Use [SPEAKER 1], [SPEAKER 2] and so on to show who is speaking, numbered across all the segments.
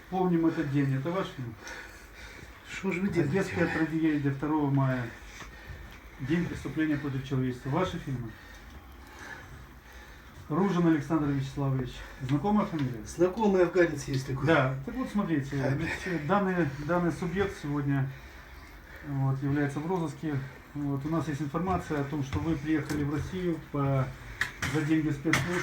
[SPEAKER 1] Помним этот день. Это ваш фильм?
[SPEAKER 2] Что же вы делаете?
[SPEAKER 1] Детская трагедия 2 мая. День преступления против человечества. Ваши фильмы? Ружин Александр Вячеславович. Знакомая фамилия?
[SPEAKER 2] Знакомый афганец есть такой.
[SPEAKER 1] Да. Так вот, смотрите. Данный субъект сегодня вот, является в розыске. Вот, у нас есть информация о том, что вы приехали в Россию за деньги спецслужб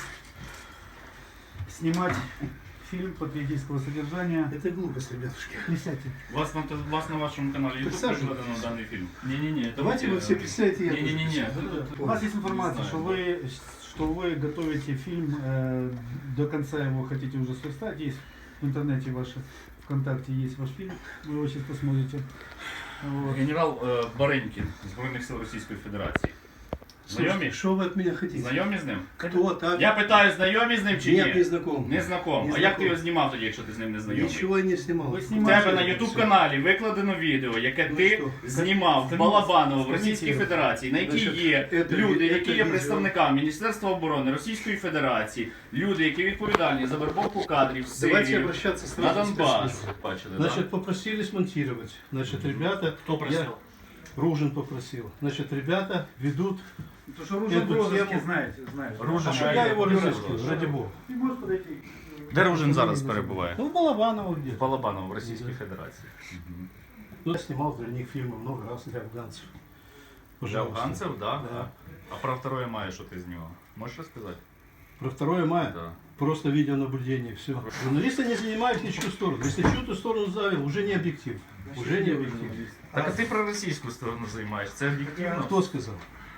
[SPEAKER 1] снимать фильм патриотического содержания.
[SPEAKER 2] Это глупость, ребятушки.
[SPEAKER 1] Присядьте.
[SPEAKER 3] Вас на вашем канале YouTube
[SPEAKER 2] Присаживайтесь.
[SPEAKER 3] прикладено данный фильм? Не-не-не.
[SPEAKER 2] Давайте вы все присядьте. я тоже
[SPEAKER 3] Не-не-не.
[SPEAKER 2] присяду.
[SPEAKER 1] У нас есть информация,
[SPEAKER 3] Не
[SPEAKER 1] что вы готовите фильм, до конца его хотите уже сверстать. Есть в интернете ваше, ВКонтакте есть ваш фильм, вы его сейчас посмотрите. Вот.
[SPEAKER 3] Генерал Баренькін, Збройних сил Російської Федерації. Знайомі?
[SPEAKER 2] Что вы от меня хотите?
[SPEAKER 3] Знайомі з ним?
[SPEAKER 2] Кто так?
[SPEAKER 3] Я питаю, знайомі з ним чи ні?
[SPEAKER 2] Нет, не знаком.
[SPEAKER 3] Не знаком.
[SPEAKER 2] Не
[SPEAKER 3] А як ти
[SPEAKER 2] знаком.
[SPEAKER 3] його знімав тоді, якщо ти з ним не знайомий?
[SPEAKER 2] Ничего я не снимал.
[SPEAKER 1] Ви
[SPEAKER 3] У
[SPEAKER 1] знімаєте?
[SPEAKER 3] тебе на YouTube каналі викладено відео, яке
[SPEAKER 2] Ну
[SPEAKER 3] ти
[SPEAKER 2] що?
[SPEAKER 3] знімав в Балабаново в
[SPEAKER 1] Скажіть
[SPEAKER 3] Російській
[SPEAKER 1] його.
[SPEAKER 3] Федерації, на якій
[SPEAKER 2] Значить,
[SPEAKER 3] є
[SPEAKER 2] це
[SPEAKER 3] люди,
[SPEAKER 2] ві-
[SPEAKER 3] які
[SPEAKER 2] це
[SPEAKER 3] є
[SPEAKER 2] відео.
[SPEAKER 3] представниками Міністерства оборони Російської Федерації, люди, які відповідальні за вербовку кадрів в
[SPEAKER 2] Давайте
[SPEAKER 3] Сирію,
[SPEAKER 2] обращаться
[SPEAKER 3] на
[SPEAKER 2] сразу к
[SPEAKER 3] Донбас.
[SPEAKER 2] спецслужбам.
[SPEAKER 3] Бачили,
[SPEAKER 2] Значит,
[SPEAKER 3] да?
[SPEAKER 2] попросили смонтировать. Значит, ребята...
[SPEAKER 3] Хто просив?
[SPEAKER 2] Ружин попросил. Значит, ребята ведут...
[SPEAKER 1] Потому что Ружин в
[SPEAKER 2] Эту
[SPEAKER 1] розыске,
[SPEAKER 2] тему-
[SPEAKER 1] знаете.
[SPEAKER 3] Ружин.
[SPEAKER 2] А что я его разыскиваю, ради бога?
[SPEAKER 1] Ты можешь подойти?
[SPEAKER 3] Де Ружин зараз перебуває?
[SPEAKER 2] Ну, в Балабаново где.
[SPEAKER 3] В Балабаново, в Російській Федерації.
[SPEAKER 2] Ну, я снимал для них фильмы много раз для афганцев.
[SPEAKER 3] Для
[SPEAKER 2] Пожалуйста.
[SPEAKER 3] афганців, да?
[SPEAKER 2] Да.
[SPEAKER 3] А про 2 мая що ти знімав? Можеш розказати?
[SPEAKER 2] Про 2 мая?
[SPEAKER 3] Да.
[SPEAKER 2] Просто видеонаблюдение, все. Журналисты не занимают ничью сторону. Если чью-то сторону завел, уже не объектив. Уже не объектив.
[SPEAKER 3] Так а ти про російську сторону займаєшся, це об'єктивно?
[SPEAKER 2] Кто сказал?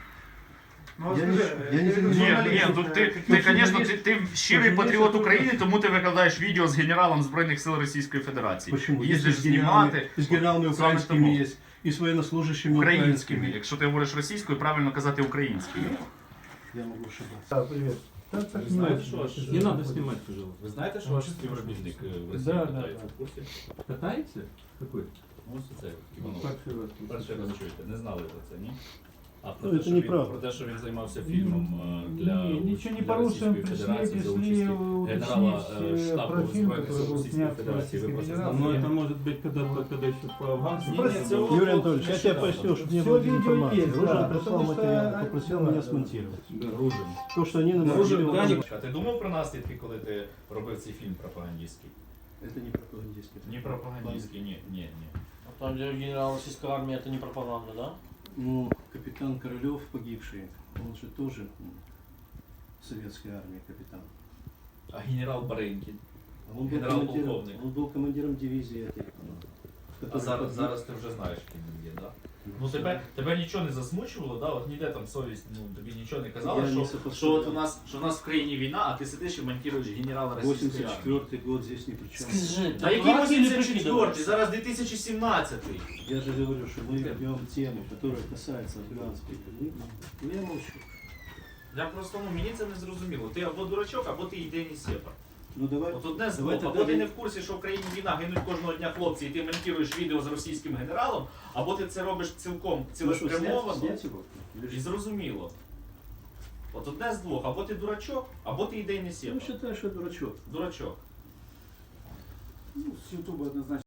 [SPEAKER 1] Ну,
[SPEAKER 2] Я
[SPEAKER 1] скажи,
[SPEAKER 2] не
[SPEAKER 1] это
[SPEAKER 2] занимаюсь.
[SPEAKER 3] Ні,
[SPEAKER 1] журналист,
[SPEAKER 3] ні, тут
[SPEAKER 1] это-
[SPEAKER 3] ти,
[SPEAKER 2] Ну,
[SPEAKER 3] звісно,
[SPEAKER 2] журналіст-
[SPEAKER 3] ти щирий
[SPEAKER 2] журналіст
[SPEAKER 3] патріот
[SPEAKER 2] це-
[SPEAKER 3] України, тому ти викладаєш відео з генералом Збройних сил Російської Федерації.
[SPEAKER 2] Почему?
[SPEAKER 3] Їздиш
[SPEAKER 2] Если с генералами,
[SPEAKER 3] знімати
[SPEAKER 2] с генералами
[SPEAKER 3] саме
[SPEAKER 2] украинскими
[SPEAKER 3] тому.
[SPEAKER 2] есть, и с военнослужащими
[SPEAKER 3] українськими.
[SPEAKER 2] украинскими.
[SPEAKER 3] Якщо ти говориш російською, правильно казати українською.
[SPEAKER 2] Я могу ошибаться. Да, привет.
[SPEAKER 4] Ви знаєте, що ваш... Не надо снимать, пожалуйста. Ви знаєте, що ваш співробітник в Росії
[SPEAKER 2] Да,
[SPEAKER 4] катається
[SPEAKER 2] да.
[SPEAKER 4] в курсі?
[SPEAKER 2] Катається? Какой?
[SPEAKER 4] Ось це Іванов.
[SPEAKER 2] Перший раз.
[SPEAKER 4] Перший раз чуєте, не знали про це, ні? А
[SPEAKER 2] Ну,
[SPEAKER 4] про
[SPEAKER 2] це
[SPEAKER 4] те, що він,
[SPEAKER 2] неправда.
[SPEAKER 4] про те, що він займався фільмом для,
[SPEAKER 1] Не, ничего не
[SPEAKER 4] для
[SPEAKER 1] порушуем,
[SPEAKER 4] Російської
[SPEAKER 1] пришли
[SPEAKER 4] Федерації за участі генерала
[SPEAKER 1] уточнить
[SPEAKER 4] штабу
[SPEAKER 1] про фильм,
[SPEAKER 4] Збройних
[SPEAKER 1] который
[SPEAKER 4] сил
[SPEAKER 1] был
[SPEAKER 4] Російської
[SPEAKER 1] снят в
[SPEAKER 4] Федерації. Ви
[SPEAKER 1] Российской
[SPEAKER 4] про це
[SPEAKER 1] Федерации.
[SPEAKER 4] знаєте?
[SPEAKER 5] Но это может быть когда еще по афганцам.
[SPEAKER 2] Юрий Анатольевич, я тебе поясню, чтобы не
[SPEAKER 1] Всё
[SPEAKER 2] было
[SPEAKER 1] видео
[SPEAKER 2] информации.
[SPEAKER 1] есть,
[SPEAKER 2] Ружин
[SPEAKER 1] да,
[SPEAKER 2] прислал
[SPEAKER 1] потому что-
[SPEAKER 2] материал, попросил
[SPEAKER 1] да,
[SPEAKER 2] меня
[SPEAKER 1] да.
[SPEAKER 2] смонтировать.
[SPEAKER 4] Ружин.
[SPEAKER 2] То, что они нам
[SPEAKER 4] Ружин,
[SPEAKER 2] говорили,
[SPEAKER 4] А ти думав про наслідки, коли ти робив цей фільм пропагандистський?
[SPEAKER 2] это не пропагандистский.
[SPEAKER 4] Ні пропагандистський, ні.
[SPEAKER 6] Там, где генерал российской армии, это не пропаганда, да?
[SPEAKER 2] Ну, капитан Королев погибший, он же тоже советской армии капитан.
[SPEAKER 4] А генерал Баренькін?
[SPEAKER 2] Он был,
[SPEAKER 4] Генерал-полковник.
[SPEAKER 2] он был командиром дивизии этой.
[SPEAKER 4] А
[SPEAKER 2] который
[SPEAKER 4] зараз,
[SPEAKER 2] погиб.
[SPEAKER 4] зараз ти вже знаєш, ким він є, так? Ну тебе нічого не засмучувало, да? От ніде там совість, ну тобі нічого не казала,
[SPEAKER 2] Я не
[SPEAKER 4] що
[SPEAKER 2] сопоставляю.
[SPEAKER 4] от у нас в країні війна, а ти сидиш і монтуєш генерала російської армії.
[SPEAKER 2] 84-й год здесь ни при чем.
[SPEAKER 6] Скажи,
[SPEAKER 4] Та який
[SPEAKER 6] дурак или
[SPEAKER 4] 84-й?
[SPEAKER 6] прикидываешься?
[SPEAKER 4] Зараз 2017-й.
[SPEAKER 2] Я же говорю, что мы ведем тему, которая касается афганской войны. Ну я молчу.
[SPEAKER 4] Я просто, ну мені це не зрозуміло. Ти або дурачок, або ти ідейний сепар.
[SPEAKER 2] Ну давай.
[SPEAKER 4] От одне з
[SPEAKER 2] давай
[SPEAKER 4] двох,
[SPEAKER 2] тогда
[SPEAKER 4] або ти
[SPEAKER 2] ви-
[SPEAKER 4] не в курсі, що в країні війна, гинуть кожного дня хлопці, і ти монтуєш відео з російським генералом, або ти це робиш цілком
[SPEAKER 2] Ну что,
[SPEAKER 4] цілеспрямовано.
[SPEAKER 2] снять его? Или
[SPEAKER 4] І
[SPEAKER 2] что?
[SPEAKER 4] зрозуміло. От одне з двох, або ти дурачок, або ти ідейний
[SPEAKER 2] Ну
[SPEAKER 4] сепар.
[SPEAKER 2] считай, что дурачок.
[SPEAKER 4] Дурачок.
[SPEAKER 1] Ну, с Ютуба однозначно.